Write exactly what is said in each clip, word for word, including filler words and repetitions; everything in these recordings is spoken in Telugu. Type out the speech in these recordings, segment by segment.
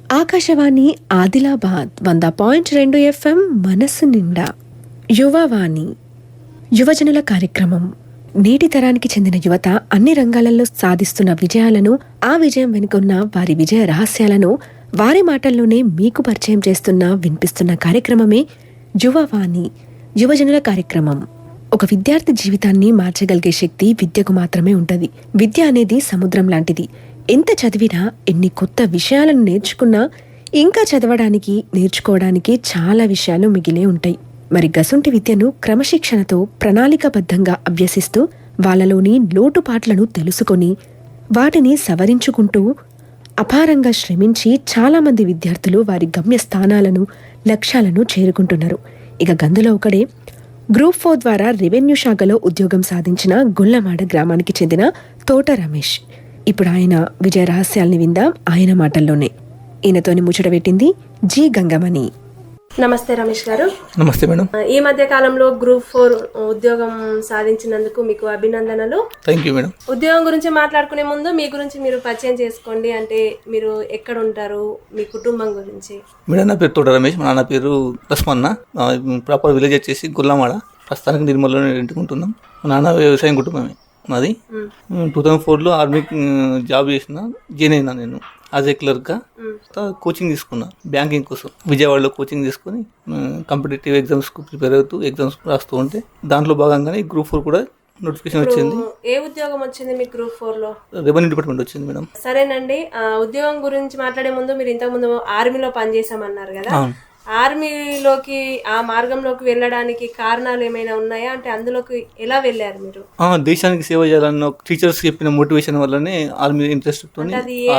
ఆకాశవాణి ఆదిలాబాద్ వంద పాయింట్ రెండు ఎఫ్ఎం మనసు నిండా యువవాణి యువజనుల కార్యక్రమం. నేటి తరానికి చెందిన యువత అన్ని రంగాలలో సాధిస్తున్న విజయాలను, ఆ విజయం వెనుకున్న వారి విజయ రహస్యాలను వారి మాటల్లోనే మీకు పరిచయం చేస్తున్న వినిపిస్తున్న కార్యక్రమమే యువవాణి యువజనుల కార్యక్రమం. ఒక విద్యార్థి జీవితాన్ని మార్చగలిగే శక్తి విద్యకు మాత్రమే ఉంటుంది. విద్య అనేది సముద్రం లాంటిది. ఎంత చదివినా, ఎన్ని కొత్త విషయాలను నేర్చుకున్నా ఇంకా చదవడానికి, నేర్చుకోవడానికి చాలా విషయాలు మిగిలే ఉంటాయి. మరి గసుంటి విద్యను క్రమశిక్షణతో ప్రణాళికాబద్ధంగా అభ్యసిస్తూ వాళ్ళలోని లోటుపాట్లను తెలుసుకొని వాటిని సవరించుకుంటూ అపారంగా శ్రమించి చాలామంది విద్యార్థులు వారి గమ్యస్థానాలను, లక్ష్యాలను చేరుకుంటున్నారు. ఇక గందులో ఒకడే గ్రూప్ ఫోర్ ద్వారా రెవెన్యూ శాఖలో ఉద్యోగం సాధించిన గుల్లమాడ గ్రామానికి చెందిన తోట రమేష్. ఇప్పుడు ఆయన విజయ రహస్యాల్ని విందాం ఆయన మాటల్లోనే. ఈయనతోని ముచ్చట పెట్టింది జి గంగమణి. నమస్తే రమేష్ గారు. నమస్తే మేడం. ఈ మధ్య కాలంలో గ్రూప్ ఫోర్ ఉద్యోగం సాధించినందుకు మీకు అభినందనలు. Thank you madam. ఉద్యోగం గురించి మాట్లాడుకునే ముందు మీ గురించి మీరు పరిచయం చేసుకోండి. అంటే మీరు ఎక్కడ ఉంటారు, మీ కుటుంబం గురించి. మేడం, నా పేరు తోట రమేష్. మా నాన్న పేరు లస్మన్న. ప్రాపర్ విలేజ్ వచ్చేసి గుల్లమాడ. ప్రస్తుతానికి నిర్మల్లో ఇంటుకుంటున్నాం. మా నాన్న వ్యవసాయం కుటుంబమే మాది. టూ థౌజండ్ ఫోర్లో ఆర్మీ జాబ్ చేసిన జాయిన్ అయినా నేను యాజ్ ఏ క్లర్క్గా. కోచింగ్ తీసుకున్నా బ్యాంకింగ్ కోసం. విజయవాడలో కోచింగ్ తీసుకుని కాంపిటేటివ్ ఎగ్జామ్స్కు ప్రిపేర్ అవుతూ ఎగ్జామ్స్ రాస్తూ ఉంటే దాంట్లో భాగంగానే గ్రూప్ ఫోర్ కూడా నోటిఫికేషన్ వచ్చింది. ఏ ఉద్యోగం వచ్చింది మీకు గ్రూప్ ఫోర్ లో? రెవెన్యూ డిపార్ట్మెంట్ వచ్చింది మేడం. సరేనండి. ఉద్యోగం గురించి మాట్లాడే ముందు మీరు ఇంతకు ముందు ఆర్మీలో పనిచేసామన్నారు కదా. ఆర్మీలోకి, ఆ మార్గంలోకి వెళ్ళడానికి కారణాలు ఏమైనా ఉన్నాయా? అంటే అందులోకి ఎలా వెళ్ళారు మీరు? దేశానికి సేవ చేయాలన్న టీచర్స్ చెప్పిన మోటివేషన్ వల్లనే ఆర్మీ ఇంట్రెస్ట్ తో.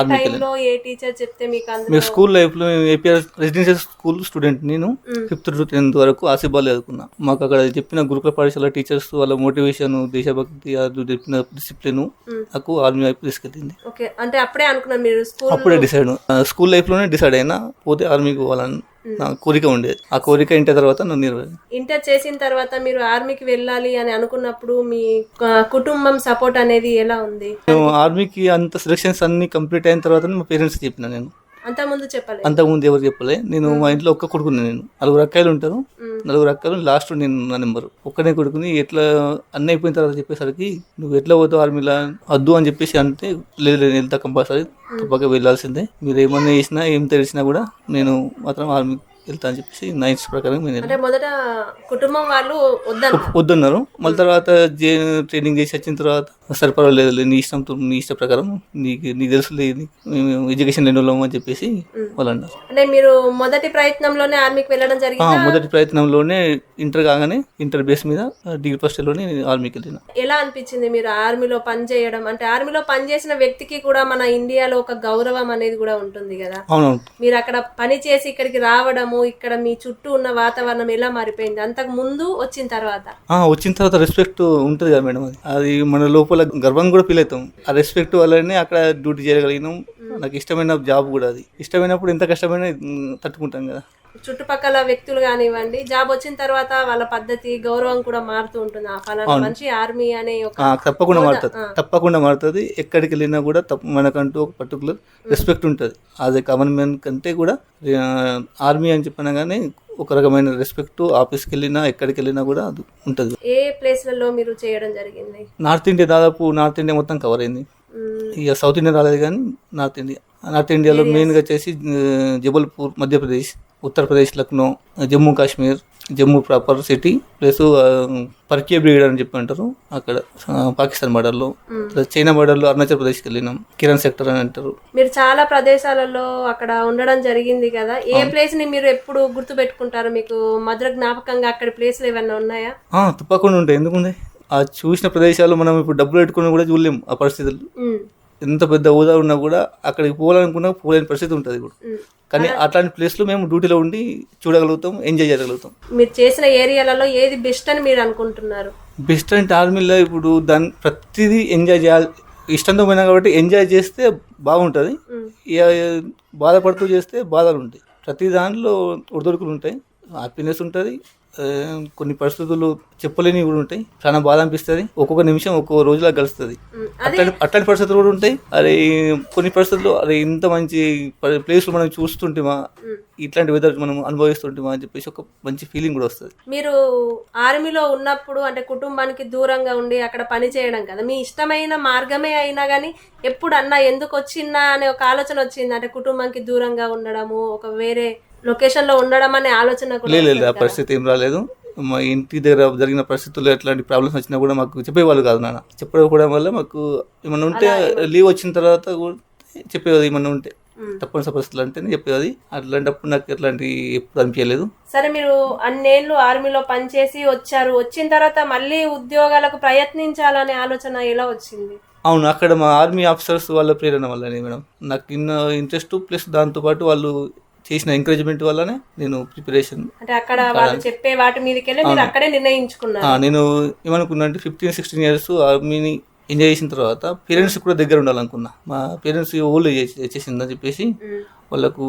ఏ టీచర్ చెప్తే మీకు? స్కూల్ లైఫ్ లో ఏపీఆర్ రెసిడెన్షియల్ స్కూల్ స్టూడెంట్ నేను. ఫిఫ్త్ టు టెన్త్ వరకు ఆసిబాల్ చదువుకున్నా. మాకు అక్కడ చెప్పిన గురుకుల పాఠశాల టీచర్స్ వాళ్ళ మోటివేషన్, దేశభక్తి, చెప్పిన డిసిప్లిన్ నాకు ఆర్మీ వైపు తీసుకెళ్ళింది. అంటే అప్పుడే అనుకున్నా మీరు? అప్పుడే డిసైడ్, స్కూల్ లైఫ్ లోనే డిసైడ్ అయినా పోతే ఆర్మీకి పోవాలని నా కోరిక ఉండేది. ఆ కోరిక ఇంటర్ తర్వాత నన్ను ఇంటర్ చేసిన తర్వాత మీరు ఆర్మీకి వెళ్ళాలి అని అనుకున్నప్పుడు మీ కుటుంబం సపోర్ట్ అనేది ఎలా ఉంది? ఆర్మీకి అంత సెలక్షన్స్ అన్ని కంప్లీట్ అయిన తర్వాత మా పేరెంట్స్ చెప్పిన. నేను అంతకుముందు చెప్పలే? అంతకుముందు ఎవరు చెప్పలే. నేను మా ఇంట్లో ఒక్క కొడుకుని. నేను నలుగురు అక్కాయిలు ఉంటారు. నలుగురు అక్కలు లాస్ట్ నేను నా నెంబరు ఒక్కనే కొడుకుని. ఎట్లా అన్నీ అయిపోయిన తర్వాత చెప్పేసరికి నువ్వు ఎట్లా పోతావు ఆర్మీలా వద్దు అని చెప్పేసి అంటే, లేదు లేదు వెళ్తా కంపల్సరీ, తప్పక వెళ్ళాల్సిందే. మీరు ఏమన్నా చేసినా ఏం తెలిసినా కూడా నేను మాత్రం ఆర్మీ వెళ్తా అని చెప్పేసి నా ఇష్ట ప్రకారం నేను. మొదట కుటుంబం వాళ్ళు వద్దన్నారు. మళ్ళీ తర్వాత ట్రైనింగ్ చేసి వచ్చిన తర్వాత సరే పర్వాలేదు, నీ ఇష్టం, నీ ఇష్ట ప్రకారం, నీకు నీకు తెలుసు ఎడ్యుకేషన్ లేని వాళ్ళం అని చెప్పేసి వాళ్ళు అన్నారు. అంటే మీరు మొదటి ప్రయత్నంలోనే ఆర్మీకి వెళ్ళడం జరిగింది? మొదటి ప్రయత్నంలోనే ఇంటర్ కాగానే ఇంటర్ బేస్ మీద డిగ్రీ ఫస్ట్ ఇయర్లోనే ఆర్మీకి వెళ్ళిన. ఎలా అనిపించింది మీరు ఆర్మీలో పని చేయడం? అంటే ఆర్మీలో పనిచేసిన వ్యక్తికి కూడా మన ఇండియాలో ఒక గౌరవం అనేది కూడా ఉంటుంది కదా. అవునవును. మీరు అక్కడ పని చేసి ఇక్కడికి రావడము, ఇక్కడ మీ చుట్టూ ఉన్న వాతావరణం ఎలా మారిపోయింది అంతకు ముందు, వచ్చిన తర్వాత? వచ్చిన తర్వాత రెస్పెక్ట్ ఉంటుంది కదా మేడం. అది అది మన లోపల గర్వం కూడా ఫీల్ అవుతాం. ఆ రెస్పెక్ట్ వల్లనే అక్కడ డ్యూటీ చేయగలిగినాం. నాకు ఇష్టమైన జాబ్ కూడా. అది ఇష్టమైనప్పుడు ఎంత కష్టమైనా తట్టుకుంటాం కదా. చుట్టుపక్కల వ్యక్తులు కానివ్వండి, జాబ్ వచ్చిన తర్వాత వాళ్ళ పద్ధతి, గౌరవం కూడా మారుతూ ఉంటుంది. ఆ ఫలానా మంచి ఆర్మీ అనే తప్పకుండా మారుతుంది. తప్పకుండా మారుతుంది. ఎక్కడికి వెళ్ళినా కూడా మనకంటూ ఒక పర్టికులర్ రెస్పెక్ట్ ఉంటుంది. యాజ్ ఏ కామన్ మ్యాన్ కంటే కూడా ఆర్మీ అని చెప్పినా కానీ ఒక రకమైన రెస్పెక్ట్. ఆఫీస్కి వెళ్ళినా ఎక్కడికి వెళ్ళినా కూడా అది ఉంటుంది. ఏ ప్లేస్లలో మీరు చేయడం జరిగింది? నార్త్ ఇండియా, దాదాపు నార్త్ ఇండియా మొత్తం కవర్ అయింది. ఇక సౌత్ ఇండియా రాలేదు కానీ నార్త్ ఇండియా. నార్త్ ఇండియాలో మెయిన్గా వచ్చేసి Jabalpur Madhya Pradesh, Uttar Pradesh, Lucknow, Jammu Kashmir, Jammu proper city plus పర్కియా బ్రిగేడ్ అని చెప్పి అంటారు అక్కడ పాకిస్తాన్ బార్డర్లో. చైనా బార్డర్లో అరుణాచల్ ప్రదేశ్కి వెళ్ళినాం, కిరణ్ సెక్టర్ అని అంటారు. మీరు చాలా ప్రదేశాలలో అక్కడ ఉండడం జరిగింది కదా. ఏ ప్లేస్ ని మీరు ఎప్పుడు గుర్తు పెట్టుకుంటారు? మీకు మధుర జ్ఞాపకంగా అక్కడ ప్లేస్లు ఏమైనా ఉన్నాయా? తప్పకుండా ఉంటాయి. ఎందుకుండే ఆ చూసిన ప్రదేశాలు మనం ఇప్పుడు డబ్బులు పెట్టుకుని కూడా చూడలేము. ఆ పరిస్థితులు ఎంత పెద్ద హోదా ఉన్నా కూడా అక్కడికి పోవాలనుకున్నా పోలేని పరిస్థితి ఉంటుంది కూడా. కానీ అట్లాంటి ప్లేస్లో మేము డ్యూటీలో ఉండి చూడగలుగుతాం, ఎంజాయ్ చేయగలుగుతాం. మీరు చేసిన ఏరియాలలో ఏది బెస్ట్ అని మీరు అనుకుంటున్నారు? బెస్ట్ అంటే ఆర్మీలో ఇప్పుడు దాన్ని ప్రతిదీ ఎంజాయ్ చేయాలి. ఇష్టంతో పోయినా కాబట్టి ఎంజాయ్ చేస్తే బాగుంటుంది. బాధపడుతూ చేస్తే బాధలు ఉంటాయి. ప్రతి దాంట్లో ఒడిదొడుకులు ఉంటాయి. హ్యాపీనెస్ ఉంటుంది, ఆ, కొన్ని పరిస్థితులు చెప్పలేనివి కూడా ఉంటాయి, చాలా బాధ అనిపిస్తుంది. ఒక్కొక్క నిమిషం ఒక్కొక్క రోజులా గడుస్తుంది. అట్లాంటి అట్లాంటి పరిస్థితులు కూడా ఉంటాయి. అరే కొన్ని పరిస్థితుల్లో అరే ఇంత మంచి ప్లేస్లు మనం చూస్తుంటేమా, ఇట్లాంటి వెదర్ మనం అనుభవిస్తుంటేమా అని చెప్పేసి ఒక మంచి ఫీలింగ్ కూడా వస్తుంది. మీరు ఆర్మీలో ఉన్నప్పుడు అంటే కుటుంబానికి దూరంగా ఉండి అక్కడ పని చేయడం కదా, మీ ఇష్టమైన మార్గమే అయినా కానీ ఎప్పుడు అన్నా ఎందుకు వచ్చిందా అనే ఒక ఆలోచన వచ్చింది, అంటే కుటుంబానికి దూరంగా ఉండడము, ఒక వేరే లొకేషన్ లో ఉండడం అనే ఆలోచన కూడా లేదు వస్తుంది ఆ కదా? పరిస్థితి ఏం రాలేదు. మా ఇంటి దగ్గర జరిగిన పరిస్థితుల్లో ఎట్లాంటి ప్రాబ్లమ్స్ వచ్చినా కూడా మాకు చెప్పేవాళ్ళు కాదు నాన్న. చెప్పకపోవడం వల్ల మాకు ఏమన్నా ఉంటే లీవ్ వచ్చిన తర్వాత కూడా చెప్పేది, ఏమన్నా ఉంటే తప్పనిసరి పరిస్థితులు అంటేనే చెప్పేది. అట్లాంటప్పుడు నాకు ఎట్లాంటి ఎప్పుడు అనిపించలేదు. సరే, మీరు అన్నేళ్ళు ఆర్మీలో పనిచేసి వచ్చారు, వచ్చిన తర్వాత మళ్ళీ ఉద్యోగాలకు ప్రయత్నించాలనే ఆలోచన ఎలా వచ్చింది? అవును, అక్కడ మా ఆర్మీ ఆఫీసర్స్ వాళ్ళ ప్రేరణ వల్లనే మేడం నాకు ఇన్న ఇంట్రెస్ట్, ప్లస్ దాంతోపాటు వాళ్ళు చేసిన ఎంకరేజ్మెంట్ వల్లనే నేను ప్రిపరేషన్. అంటే అక్కడ వాళ్ళు చెప్పే వాటి మీదకెళ్ళి మీరు అక్కడే నిర్ణయించుకున్నారు. నేను ఏమనుకున్నా అంటే ఫిఫ్టీన్ సిక్స్టీన్ ఇయర్స్ ఆర్మీని ఎంజాయ్ చేసిన తర్వాత పేరెంట్స్ కూడా దగ్గర ఉండాలనుకున్నా. మా పేరెంట్స్ ఓల్డ్ ఏజ్ వచ్చేసిందని చెప్పేసి వాళ్ళకు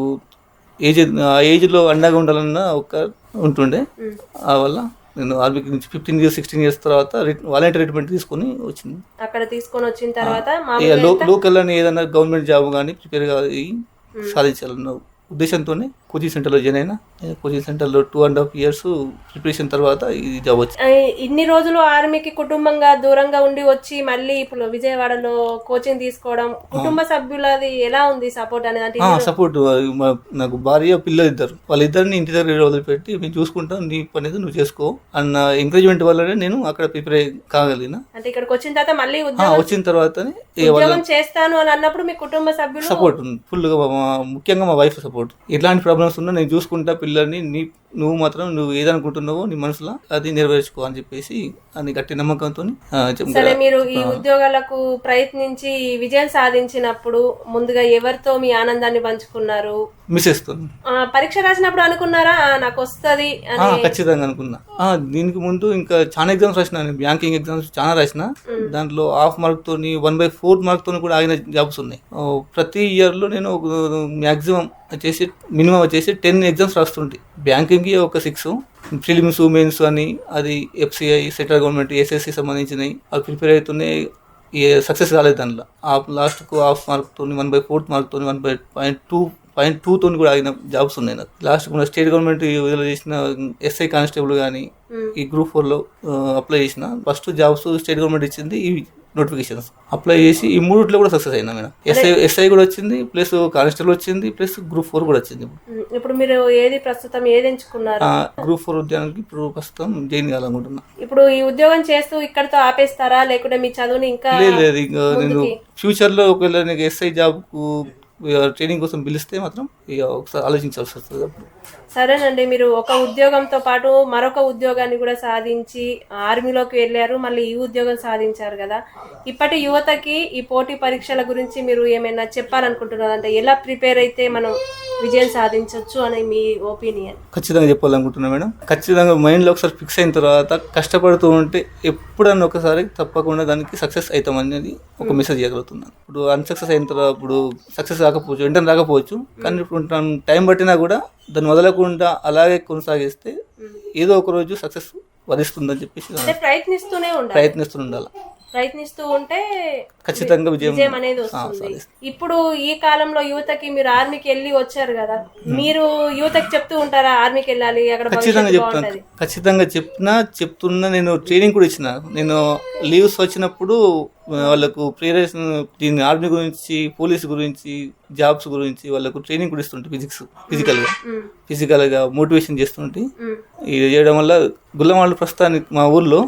ఏజ్ ఆ ఏజ్లో అండగా ఉండాలన్న ఒక ఉంటుండే. ఆ వల్ల నేను ఆర్మీకి నుంచి ఫిఫ్టీన్ ఇయర్స్ సిక్స్టీన్ ఇయర్స్ తర్వాత వాలంటీర్ రిటైర్మెంట్ తీసుకొని వచ్చింది. అక్కడ తీసుకొని వచ్చిన తర్వాత లోకల్ అని ఏదైనా గవర్నమెంట్ జాబ్ కానీ ప్రిపేర్ అయ్యి సాధించాలన్న ఉద్దేశంతోనే కోచింగ్ సెంటర్లో జాయిన్ అయినా. కోచింగ్ సెంటర్లో two and half years preparation తర్వాత ఈ జాబ్ వచ్చింది. ఇన్ని రోజులు ఆర్మీకి కుటుంబంగా దూరంగా ఉండి వచ్చి మళ్ళీ ఇప్పుడు విజయవాడలో కోచింగ్ తీసుకోవడం, కుటుంబ సభ్యులది ఎలా ఉంది సపోర్ట్ అనేది? సపోర్ట్ నాకు భార్య పిల్లలు ఇద్దరు, వాళ్ళిద్దరిని ఇంటి దగ్గర వదిలిపెట్టి మేము చూసుకుంటాం, నీ పని నువ్వు చేసుకో అన్న ఎంకరేజ్మెంట్ వల్లనే నేను అక్కడ ప్రిపేర్ కాగలిగిన. అంటే ఇక్కడికి వచ్చిన తర్వాత మళ్ళీ వచ్చిన తర్వాత చేస్తాను అని అన్నప్పుడు మీ కుటుంబ సభ్యులు సపోర్ట్ ఉంది ఫుల్ గా, ముఖ్యంగా మా వైఫ్ సపోర్ట్. ఎలాంటి ప్రాబ్లమ్స్ ఉన్నా నేను చూసుకుంటా పిల్లల్ని, నీ నువ్వు మాత్రం నువ్వు ఏదనుకుంటున్నావో నీ మనసులో అది నెరవేర్చుకో అని చెప్పేసి అని గట్టి నమ్మకంతో. సరే, మీరు ఈ ఉద్యోగాలకు ప్రయత్నించి విజయం సాధించినప్పుడు ముందుగా ఎవరితో మీ ఆనందాన్ని పంచుకున్నారు? మిస్సెస్ తో. పరీక్ష రాసినప్పుడు అనుకున్నారా నాకు వస్తుంది? ఖచ్చితంగా అనుకున్నా. దీనికి ముందు ఇంకా చాలా ఎగ్జామ్స్ రాసిన, బ్యాంకింగ్ ఎగ్జామ్స్ చాలా రాసిన. దాంట్లో హాఫ్ మార్క్ తోని వన్ బై ఫోర్ మార్క్ తోని కూడా ఆగిన జాబ్స్ ఉన్నాయి. ప్రతి ఇయర్ లో నేను మ్యాక్సిమం వచ్చేసి మినిమం వచ్చేసి టెన్ ఎగ్జామ్స్ రాస్తుంటే, బ్యాంకింగ్ ఒక సిక్స్, ప్రిలిమ్స్ మెయిన్స్ అని అది ఎఫ్సిఐ సెంట్రల్ గవర్నమెంట్ ఎస్ఎస్సి సంబంధించినవి అవి ప్రిపేర్ అవుతున్నాయి. సక్సెస్ కాలేదు దాంట్లో. ఆ లాస్ట్కు హాఫ్ మార్క్ తోని వన్ బై ఫోర్త్ మార్క్ తోని one by point two point two తోని కూడా ఆగిన జాబ్స్ ఉన్నాయి నాకు. లాస్ట్ కూడా స్టేట్ గవర్నమెంట్ విడుదల చేసిన ఎస్ఐ కానిస్టేబుల్ కానీ ఈ గ్రూప్ ఫోర్ లో అప్లై చేసిన ఫస్ట్ జాబ్స్ స్టేట్ గవర్నమెంట్ ఇచ్చింది. ఇవి నోటిఫికేషన్స్ అప్లై చేసి ఈ మూడిట్లో కూడా సక్సెస్ అయినా మేడం. ఎస్ఐ ఎస్ఐ కూడా వచ్చింది, ప్లస్ కానిస్టేబుల్ వచ్చింది, ప్లస్ గ్రూప్ ఫోర్ కూడా వచ్చింది. ఇప్పుడు మీరు ఏది ప్రస్తుతం ఏది ఎంచుకున్నారు? గ్రూప్ ఫోర్ ఉద్యోగానికి ఇప్పుడు ప్రస్తుతం జాయిన్ కావాలనుకుంటున్నా. ఇప్పుడు ఈ ఉద్యోగం చేస్తూ ఇక్కడతో ఆపేస్తారా, లేకుంటే మీ చదువుని ఇంకా? లేదు, ఇంకా నేను ఫ్యూచర్ లో ఒకవేళ నీకు ఎస్ఐ జాబ్ కు ట్రైనింగ్ కోసం పిలిస్తే మాత్రం ఒకసారి ఆలోచించాల్సి వస్తుంది. సరేనండి, మీరు ఒక ఉద్యోగంతో పాటు మరొక ఉద్యోగాన్ని కూడా సాధించి ఆర్మీలోకి వెళ్ళారు, మళ్ళీ ఈ ఉద్యోగం సాధించారు కదా. ఇప్పటి యువతకి ఈ పోటీ పరీక్షల గురించి మీరు ఏమైనా చెప్పాలనుకుంటున్నారు? అంటే ఎలా ప్రిపేర్ అయితే మనం విజయం సాధించవచ్చు అని మీ ఒపీనియన్? ఖచ్చితంగా చెప్పాలనుకుంటున్నా మేడం. ఖచ్చితంగా మైండ్లో ఒకసారి ఫిక్స్ అయిన తర్వాత కష్టపడుతూ ఉంటే ఎప్పుడన్నా ఒకసారి తప్పకుండా దానికి సక్సెస్ అవుతామనేది ఒక మెసేజ్ ఇవ్వగలుగుతున్నాను. ఇప్పుడు అన్సక్సెస్ అయిన తర్వాత ఇప్పుడు సక్సెస్ రాకపోవచ్చు, వెంటనే రాకపోవచ్చు, కానీ ఇప్పుడు టైం పట్టినా కూడా దాన్ని వదలకుండా అలాగే కొనసాగిస్తే ఏదో ఒక రోజు సక్సెస్ వరిస్తుందని చెప్పేసి ప్రయత్నిస్తూనే ఉండాలి ప్రయత్నిస్తూ ఉండాలి ప్రయత్నిస్తూ ఉంటే ఖచ్చితంగా విజయం అనేది వస్తుంది. ఇప్పుడు ఈ కాలంలో యువతకి మీరు ఆర్మీకి వెళ్ళి వచ్చారు కదా, మీరు యువతకి చెప్తూ ఉంటారా ఆర్మీకి వెళ్ళాలి అక్కడ? ఖచ్చితంగా చెప్తాను, ఖచ్చితంగా చెప్పినా చెప్తున్నా. నేను ట్రైనింగ్ కూడా ఇచ్చిన. నేను లీవ్స్ వచ్చినప్పుడు వాళ్ళకు ప్రిపరేషన్ దీని ఆర్మీ గురించి, పోలీస్ గురించి, జాబ్స్ గురించి వాళ్ళకు ట్రైనింగ్ కూడా ఇస్తుంటే ఫిజిక్స్ ఫిజికల్ గా ఫిజికల్ గా మోటివేషన్ చేస్తుంటే. ఇది చేయడం వల్ల గుల్లమాళ్ళు ప్రస్తుతానికి మా ఊర్లో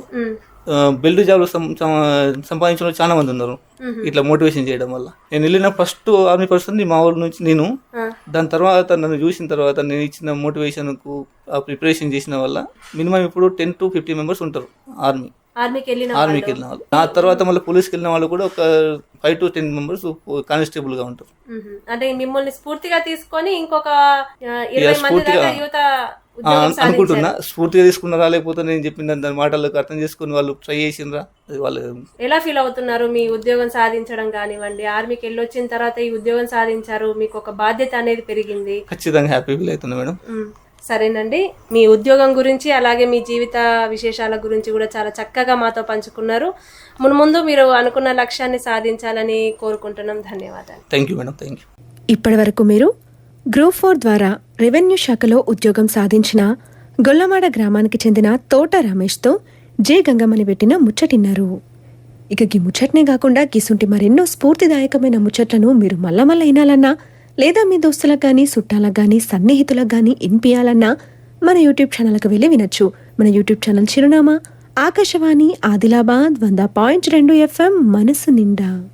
బెల్ట్ జాబ్లు సంపాదించిన వాళ్ళు చాలా మంది ఉన్నారు ఇట్లా మోటివేషన్ చేయడం వల్ల. నేను వెళ్ళిన ఫస్ట్ ఆర్మీ పర్సన్ మా ఊరు నుంచి నేను. దాని తర్వాత నన్ను చూసిన తర్వాత నేను ఇచ్చిన మోటివేషన్ కు ఆ ప్రిపరేషన్ చేసిన వల్ల మినిమం ఇప్పుడు టెన్ టు ఫిఫ్టీ మెంబర్స్ ఉంటారు ఆర్మీ ఆర్మీకి వెళ్ళిన ఆర్మీకి వెళ్ళిన వాళ్ళు. ఆ తర్వాత మళ్ళీ పోలీస్కి వెళ్ళిన వాళ్ళు కూడా ఒక five to ten members constable గా ఉంటారు. అంటే మిమ్మల్ని స్ఫూర్తిగా తీసుకొని ఇంకొక ఇరవై మంది దాకా యువత అనుకుంటున్నా. స్ఫూర్తిగా తీసుకున్నారా లేకపోతే నేను చెప్పిన దాని మాటలకు అర్థం చేసుకుని వాళ్ళు ట్రై చేసినరా? వాళ్ళు ఎలా ఫీల్ అవుతున్నారు? మీ ఉద్యోగం సాధించడం కానివ్వండి, ఆర్మీకి వెళ్ళి వచ్చిన తర్వాత ఈ ఉద్యోగం సాధించారు, మీకు ఒక బాధ్యత అనేది పెరిగింది. ఖచ్చితంగా హ్యాపీ ఫీల్ అవుతుంది మేడం. సరేనండి, మీ ఉద్యోగం గురించి అలాగే మీ జీవిత విశేషాల గురించి కూడా చాలా చక్కగా మాతో పంచుకున్నారు. మున్ముందు మీరు అనుకున్న లక్ష్యాన్ని సాధించాలని కోరుకుంటున్నాం. ధన్యవాదాలు. Thank you madam. Thank you. ఇప్పటి వరకు మీరు గ్రూప్ ఫోర్ ద్వారా రెవెన్యూ శాఖలో ఉద్యోగం సాధించిన గొల్లమాడ గ్రామానికి చెందిన తోట రమేష్తో జే గంగమ్మని పెట్టిన ముచ్చటిన్నారు. ఇక గీ ముచ్చట్నే కాకుండా గీసుంటి మరెన్నో స్ఫూర్తిదాయకమైన ముచ్చట్లను మీరు మళ్ళా మళ్ళా వినాలన్నా లేదా మీ దోస్తులకు కానీ చుట్టాలకు కానీ సన్నిహితులకు కానీ వినిపించాలన్నా మన యూట్యూబ్ ఛానల్కి వెళ్ళి వినొచ్చు. మన యూట్యూబ్ ఛానల్ చిరునామా ఆకాశవాణి ఆదిలాబాద్ వంద పాయింట్ రెండు ఎఫ్ఎం మనసు నిండా.